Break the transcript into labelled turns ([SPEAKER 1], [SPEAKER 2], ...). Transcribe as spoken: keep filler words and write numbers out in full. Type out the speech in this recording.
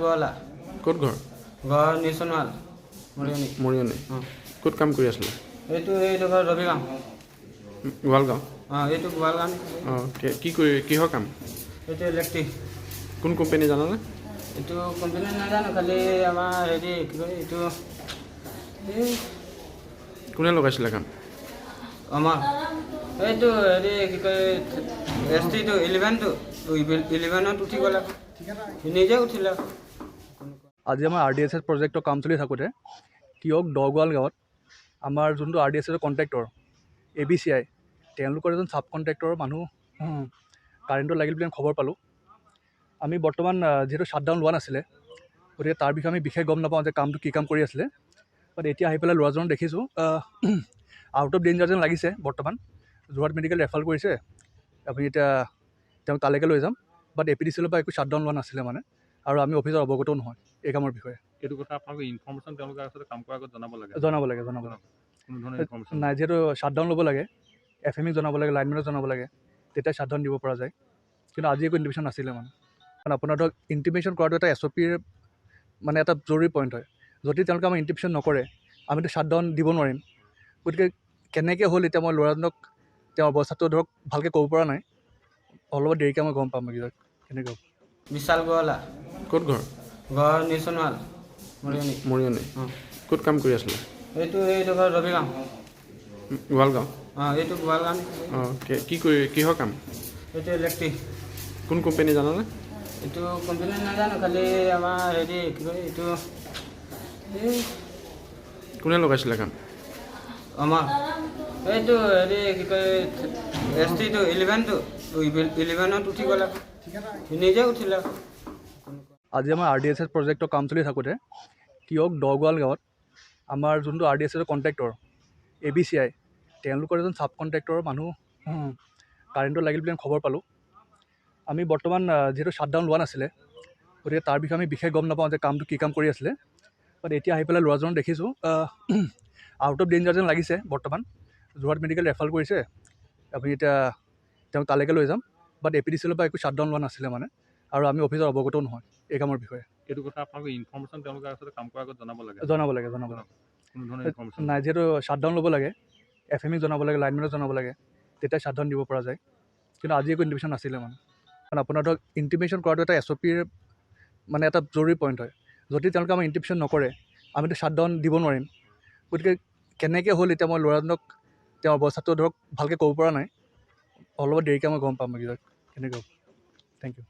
[SPEAKER 1] গোৱালা
[SPEAKER 2] ক'ত ঘৰ?
[SPEAKER 1] ঘৰ নিচনৱাল মৰিয়নি
[SPEAKER 2] মৰিয়নি।
[SPEAKER 1] অঁ
[SPEAKER 2] ক'ত কাম কৰি আছিলে?
[SPEAKER 1] এইটো এইটো ঘৰ ৰবিগাঁও
[SPEAKER 2] গোৱালগাঁও।
[SPEAKER 1] অঁ এইটো গোৱালগাঁও
[SPEAKER 2] অঁ কি- কি কৰি কিহৰ কাম?
[SPEAKER 1] এইটো ইলেক্ট্ৰিক।
[SPEAKER 2] কোন কোম্পানী জানানে?
[SPEAKER 1] এইটো কোম্পানী নাজানো, খালি আমাৰ হেৰি কি কয় এইটো এই
[SPEAKER 2] কোনে লগাইছিলে কাম?
[SPEAKER 1] আমাৰ এইটো হেৰি কি কয় এছ টিটো ইলেভেনটো ইলেভেনত উঠি গ'লে নিজে উঠিলে।
[SPEAKER 3] আজি আমাৰ আৰ ডি এছ এছ প্ৰজেক্টৰ কাম চলি থাকোঁতে কিয়ক দগোৱাল গাঁৱত আমাৰ যোনটো আৰ ডি এছ এছৰ contractor A B C I তেওঁলোকৰ এজন ছাব কণ্ট্ৰেক্টৰৰ মানুহ কাৰেণ্টত লাগিল বুলি আমি খবৰ পালোঁ। আমি বৰ্তমান যিহেতু শ্বাটডাউন লোৱা নাছিলে, গতিকে তাৰ বিষয়ে আমি বিশেষ গম নাপাওঁ যে কামটো কি কাম কৰি আছিলে। বাট এতিয়া আহি পেলাই ল'ৰাজনক দেখিছোঁ আউট অফ ডেঞ্জাৰ যেন লাগিছে। বৰ্তমান যোৰহাট মেডিকেল ৰেফাৰ কৰিছে, আপুনি এতিয়া তেওঁক তালৈকে লৈ যাম। But A P D C এলৰ পৰা একো শ্বাটডাউন লোৱা নাছিলে মানে, আৰু আমি অফিচত অৱগতও নহয় এই কামৰ বিষয়ে।
[SPEAKER 4] এইটো কথা আপোনালোকে ইনফৰ্মেশ্যন তেওঁলোকে আচলতে কাম কৰাৰ আগত জনাব লাগে
[SPEAKER 3] জনাব লাগে জনাব লাগে
[SPEAKER 4] কোনো ধৰণৰ ইনফৰ্মেশ্যন
[SPEAKER 3] নাই, যিহেতু শ্বাটডাউন ল'ব লাগে, এফ এম ইক জনাব লাগে, লাইনমেনক জনাব লাগে, তেতিয়া শ্বাটডাউন দিব পৰা যায়। কিন্তু আজি একো ইণ্টিমেশ্যন নাছিলে মানে। কাৰণ আপোনাৰ ধৰক ইণ্টিমেশ্যন কৰাটো এটা এছ অ' পিৰ মানে এটা জৰুৰী পইণ্ট হয়। যদি তেওঁলোকে আমাৰ ইণ্টিমেশ্যন নকৰে আমিতো শ্বাটডাউন দিব নোৱাৰিম। গতিকে কেনেকৈ হ'ল এতিয়া মই ল'ৰাজনক তেওঁৰ অৱস্থাটো ধৰক ভালকৈ ক'ব পৰা নাই, অলপ দেৰিকৈ মই গম পাম কেনেকৈ হ'ল।
[SPEAKER 1] বিশাল গোৱালা
[SPEAKER 2] ক'ত ঘৰ?
[SPEAKER 1] ঘৰ নিচনৱাল মৰিয়নি
[SPEAKER 2] মৰিয়নি।
[SPEAKER 1] অঁ
[SPEAKER 2] ক'ত কাম কৰি আছিলে?
[SPEAKER 1] এইটো এইটো ঘৰ ৰবিগাঁও
[SPEAKER 2] গোৱালগাঁও।
[SPEAKER 1] অঁ এইটো গোৱালগাঁও
[SPEAKER 2] অঁ কি কৰি কিহৰ কাম?
[SPEAKER 1] এইটো ইলেক্ট্ৰিক।
[SPEAKER 2] কোন কোম্পানী জানানে?
[SPEAKER 1] এইটো কোম্পানী নাজানো, খালি আমাৰ হেৰি কি কয় এইটো এই
[SPEAKER 2] কোনে লগাইছিলে কাম?
[SPEAKER 1] আমাৰ এইটো হেৰি কি কয় এছ টিটো ইলেভেনটো ইলেভেনত উঠি গ'লে নিজে উঠিলে।
[SPEAKER 3] আজি আমাৰ আৰ ডি এছ এছ প্ৰজেক্টৰ কাম চলি থাকোঁতে কিয়ক দগোৱাল গাঁৱত আমাৰ যোনটো আৰ ডি এছ এছৰ contractor A B C I তেওঁলোকৰ এজন ছাব কণ্ট্ৰেক্টৰৰ মানুহ কাৰেণ্টত লাগিল বুলি আমি খবৰ পালোঁ। আমি বৰ্তমান যিহেতু শ্বাটডাউন লোৱা নাছিলে, গতিকে তাৰ বিষয়ে আমি বিশেষ গম নাপাওঁ যে কামটো কি কাম কৰি আছিলে। বাট এতিয়া আহি পেলাই ল'ৰাজনক দেখিছোঁ আউট অফ ডেঞ্জাৰ যেন লাগিছে। বৰ্তমান যোৰহাট মেডিকেল ৰেফাৰ কৰিছে, আপুনি এতিয়া তেওঁক তালৈকে লৈ যাম। But A P D C এলৰ পৰা একো শ্বাটডাউন লোৱা নাছিলে মানে, আৰু আমি অফিচত অৱগতও নহয় এই কামৰ বিষয়ে।
[SPEAKER 4] এইটো কথা আপোনালোকে ইনফৰ্মেশ্যন তেওঁলোকে আচলতে কাম কৰাৰ আগত জনাব লাগে
[SPEAKER 3] জনাব লাগে জনাব লাগে
[SPEAKER 4] কোনো ধৰণৰ ইনফৰ্মেশ্যন
[SPEAKER 3] নাই, যিহেতু শ্বাটডাউন ল'ব লাগে, এফ এম ইক জনাব লাগে, লাইনমেনক জনাব লাগে, তেতিয়া শ্বাটডাউন দিব পৰা যায়। কিন্তু আজি একো ইণ্টিমেশ্যন নাছিলে মানে। কাৰণ আপোনাৰ ধৰক ইণ্টিমেশ্যন কৰাটো এটা এছ অ' পিৰ মানে এটা জৰুৰী পইণ্ট হয়। যদি তেওঁলোকে আমাৰ ইণ্টিমেশ্যন নকৰে আমিতো শ্বাটডাউন দিব নোৱাৰিম। গতিকে কেনেকৈ হ'ল এতিয়া মই ল'ৰাজনক তেওঁৰ অৱস্থাটো ধৰক ভালকৈ ক'ব পৰা নাই, অলপ দেৰিকৈ মই গম পাম কেনেকৈ হ'ল। Thank U.